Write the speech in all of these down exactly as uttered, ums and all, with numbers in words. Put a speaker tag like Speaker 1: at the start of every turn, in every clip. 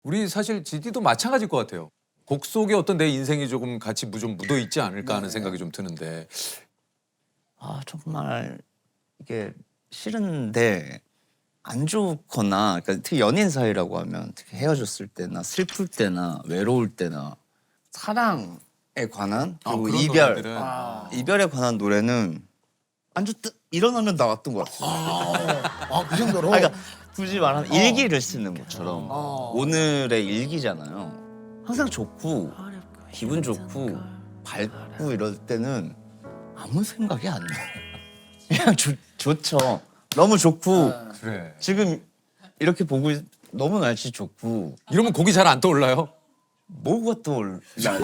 Speaker 1: 우리 사실 지디도 마찬가지일 것 같아요. 곡 속에 어떤 내 인생이 조금 같이 무- 좀 묻어 있지 않을까 하는 생각이 좀 드는데.
Speaker 2: 아 정말 이게 싫은데 안 좋거나 그러니까 특히 연인 사이라고 하면 특히 헤어졌을 때나 슬플 때나 외로울 때나 사랑에 관한
Speaker 1: 아,
Speaker 2: 그리고
Speaker 1: 그런
Speaker 2: 이별
Speaker 1: 노래들은.
Speaker 2: 아. 이별에 관한 노래는 안 좋다 일어나면 나왔던 것 같아요.
Speaker 3: 아, 그 정도로?
Speaker 2: 아, 그러니까 굳이 말하면 일기를 쓰는 것처럼
Speaker 3: 어.
Speaker 2: 오늘의 일기잖아요. 항상 좋고 기분 좋고 밝고 이럴 때는 아무 생각이 안 나요. 그냥 좋, 좋죠. 너무 좋고
Speaker 1: 그래.
Speaker 2: 지금 이렇게 보고 있- 너무 날씨 좋고
Speaker 1: 이러면 곡이 잘 안 떠올라요?
Speaker 2: 뭐가 떠올라.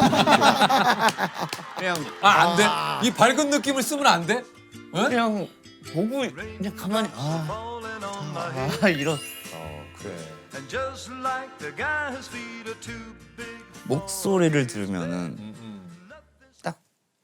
Speaker 2: 그냥
Speaker 1: 아, 안 돼? 이 밝은 느낌을 쓰면 안 돼? 응?
Speaker 2: 그냥 보고 그냥 가만히 아, 아 이런
Speaker 1: 어, 그래.
Speaker 4: And just like the guy, his feet are too big.
Speaker 2: 목소리를 들으면은
Speaker 1: 음, 음.
Speaker 2: 딱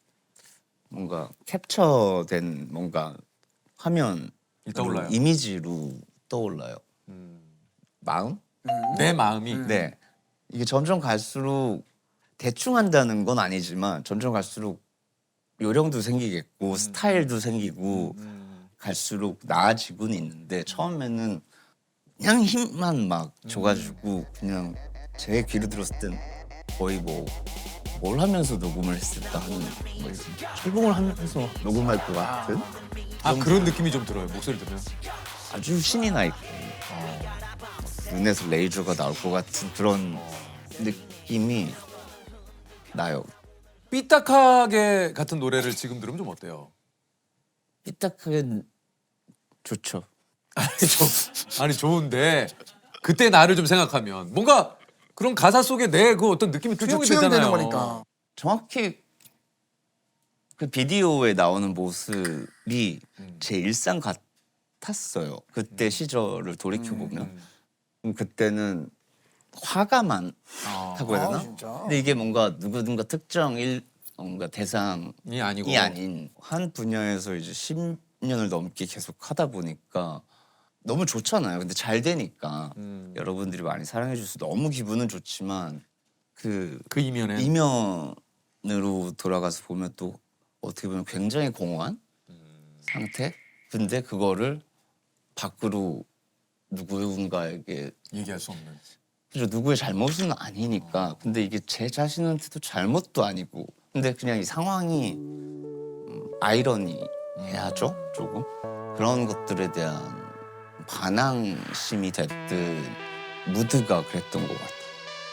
Speaker 2: 뭔가 캡처된 뭔가 화면
Speaker 1: 떠올라요.
Speaker 2: 이미지로 떠올라요.
Speaker 1: 음.
Speaker 2: 마음?
Speaker 1: 내 마음이.
Speaker 2: 네. 이게 점점 갈수록 대충 한다는 건 아니지만 점점 갈수록 요령도 생기겠고 스타일도 생기고
Speaker 1: 음.
Speaker 2: 갈수록 나아지고는 있는데 처음에는 그냥 힘만 막 줘가지고 그냥 제 귀로 들었을 땐 거의 뭐 뭘 하면서 녹음을 했을까 하는 뭐 철봉을 하면서 녹음할 것 같은
Speaker 1: 아, 그런 느낌이 좀 들어요. 목소리 들으면.
Speaker 2: 아주 신이 나 있고 눈에서 레이저가 나올 것 같은 그런 느낌이 나요.
Speaker 1: 삐딱하게 같은 노래를 지금 들으면 좀 어때요?
Speaker 2: 삐딱하게 좋죠.
Speaker 1: 아니, 저, 아니 좋은데 그때 나를 좀 생각하면 뭔가 그런 가사 속에 내 그 어떤 느낌이
Speaker 3: 그렇죠.
Speaker 1: 투영이
Speaker 3: 투영되는
Speaker 1: 되잖아요.
Speaker 3: 거니까.
Speaker 2: 정확히 그 비디오에 나오는 모습이
Speaker 1: 음.
Speaker 2: 제 일상 같았어요. 그때 시절을 돌이켜 보면 그때는 화가 많다고 해야
Speaker 3: 아,
Speaker 2: 되나?
Speaker 3: 진짜?
Speaker 2: 근데 이게 뭔가 누구든가 특정 일 뭔가 대상이
Speaker 1: 이 아니고.
Speaker 2: 아닌 한 분야에서 이제 십 년을 넘게 계속 하다 보니까 너무 좋잖아요. 근데 잘 되니까
Speaker 1: 음.
Speaker 2: 여러분들이 많이 사랑해 주셔서 너무 기분은 좋지만 그
Speaker 1: 그 이면에
Speaker 2: 이면으로 돌아가서 보면 또 어떻게 보면 굉장히 공허한 상태? 근데 그거를 밖으로 누군가에게
Speaker 1: 얘기할 수 없는.
Speaker 2: 그죠 누구의 잘못은 아니니까 근데 이게 제 자신한테도 잘못도 아니고 근데 그냥 이 상황이 음, 아이러니해야죠 조금 그런 것들에 대한 반항심이 됐든 무드가 그랬던 것 같아요.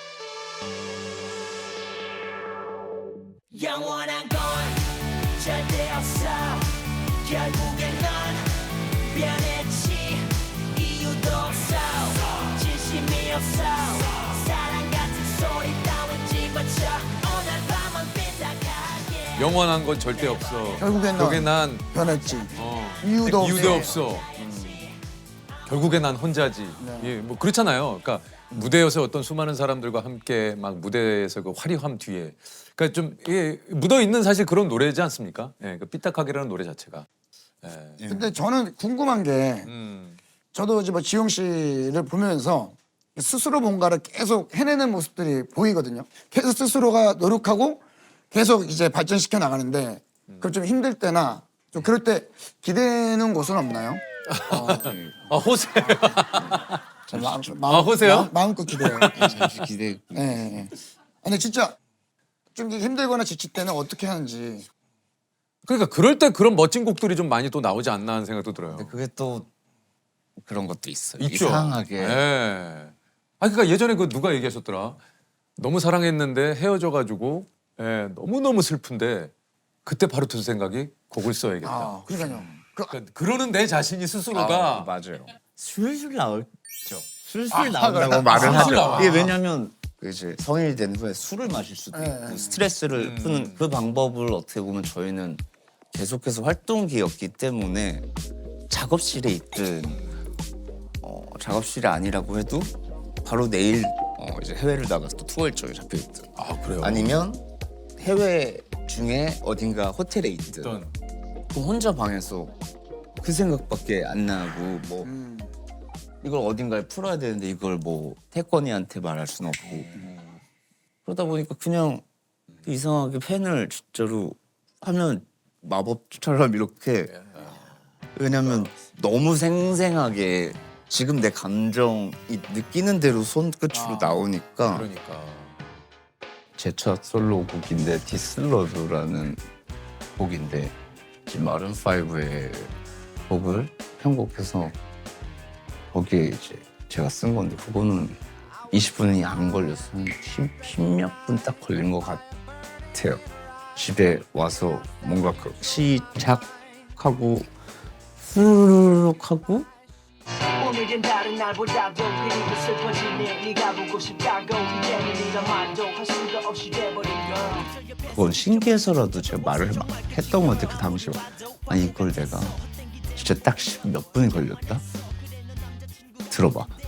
Speaker 5: 영원한 건 절대 없어 결국엔 넌 변했지 이유도 없어 진심이 없어 사랑 같은 소리 따윈 집어쳐 오늘 밤은 삐딱하게
Speaker 1: 영원한 건 절대 없어.
Speaker 3: 결국엔 넌
Speaker 1: 결국엔 난
Speaker 3: 변했지.
Speaker 1: 어,
Speaker 3: 이유도
Speaker 1: 이유도
Speaker 3: 없어.
Speaker 1: 없어. 음. 결국엔 난 혼자지.
Speaker 3: 네.
Speaker 1: 예, 뭐 그렇잖아요. 그러니까 무대에서 어떤 수많은 사람들과 함께 막 무대에서 그 화려함 뒤에, 그러니까 좀 이게 묻어 있는 사실 그런 노래지 않습니까? 예, 그 삐딱하게라는 노래 자체가. 예.
Speaker 3: 근데 저는 궁금한 게
Speaker 1: 음.
Speaker 3: 저도 이제 뭐 지용 씨를 보면서 스스로 뭔가를 계속 해내는 모습들이 보이거든요. 계속 스스로가 노력하고 계속 이제 발전시켜 나가는데 그걸 좀 힘들 때나 좀 그럴 때 기대는 곳은 없나요?
Speaker 1: 아, 호세.
Speaker 3: 저 마음, 마음,
Speaker 1: 아, 호세요?
Speaker 3: 마음, 마음껏 기대요.
Speaker 2: 잠시 기대.
Speaker 3: 예, 예, 예. 근데 진짜 좀 힘들거나 지칠 때는 어떻게 하는지.
Speaker 1: 그러니까 그럴 때 그런 멋진 곡들이 좀 많이 또 나오지 않나 하는 생각도 들어요.
Speaker 2: 근데 그게 또 그런 것도 있어요.
Speaker 1: 있죠.
Speaker 2: 이상하게
Speaker 1: 예. 아, 그러니까 예전에 그 누가 얘기하셨더라. 너무 사랑했는데 헤어져가지고 예, 너무 너무 슬픈데 그때 바로 든 생각이 곡을 써야겠다.
Speaker 3: 아, 그러니까요. 그,
Speaker 1: 그러니까 그러는 내 자신이 스스로가
Speaker 2: 아, 맞아요. 술술 나오죠. 술술
Speaker 3: 아,
Speaker 2: 나온다고
Speaker 3: 그래.
Speaker 2: 말을
Speaker 1: 술술
Speaker 2: 하죠.
Speaker 1: 나와.
Speaker 2: 이게 왜냐면 그 이제 성인이 된 후에 술을 마실 수도
Speaker 3: 네.
Speaker 2: 있고 스트레스를 푸는 그 방법을 어떻게 보면 저희는 계속해서 활동기였기 때문에 작업실에 있든 어, 작업실이 아니라고 해도 바로 내일 어, 이제 해외를 나가서 또 투어 일정이 잡혀 있든
Speaker 1: 아, 그래요.
Speaker 2: 아니면 해외 중에 어딘가 호텔에 있든
Speaker 1: 어떤
Speaker 2: 그럼 혼자 방에서 그 생각밖에 안 나고 뭐
Speaker 3: 음.
Speaker 2: 이걸 어딘가에 풀어야 되는데 이걸 뭐 태권이한테 말할 순 없고 그러다 보니까 그냥 이상하게 펜을 진짜로 하면 마법처럼 이렇게 왜냐면 너무 생생하게 지금 내 감정이 느끼는 대로 손끝으로 나오니까
Speaker 1: 그러니까.
Speaker 2: 제 첫 솔로곡인데 디슬러드라는 곡인데 지금 마룬 파이브의 곡을 편곡해서 거기에 이제 제가 쓴 건데 그거는 이십 분이 안 걸렸어. 한 십몇 분 딱 걸린 것 같아요. 집에 와서 뭔가 그 시작하고 후루룩 하고
Speaker 5: 오늘은 다른 날보다도 그리고 슬퍼지네 네가 보고 싶다고 이제는 네가 말도 할 수가 없이 돼버린 걸
Speaker 2: 그건 신기해서라도 제가 말을 막 했던 것 같아요. 그 당시에 아니 이걸 내가 진짜 딱 몇 분이 걸렸다? 들어봐.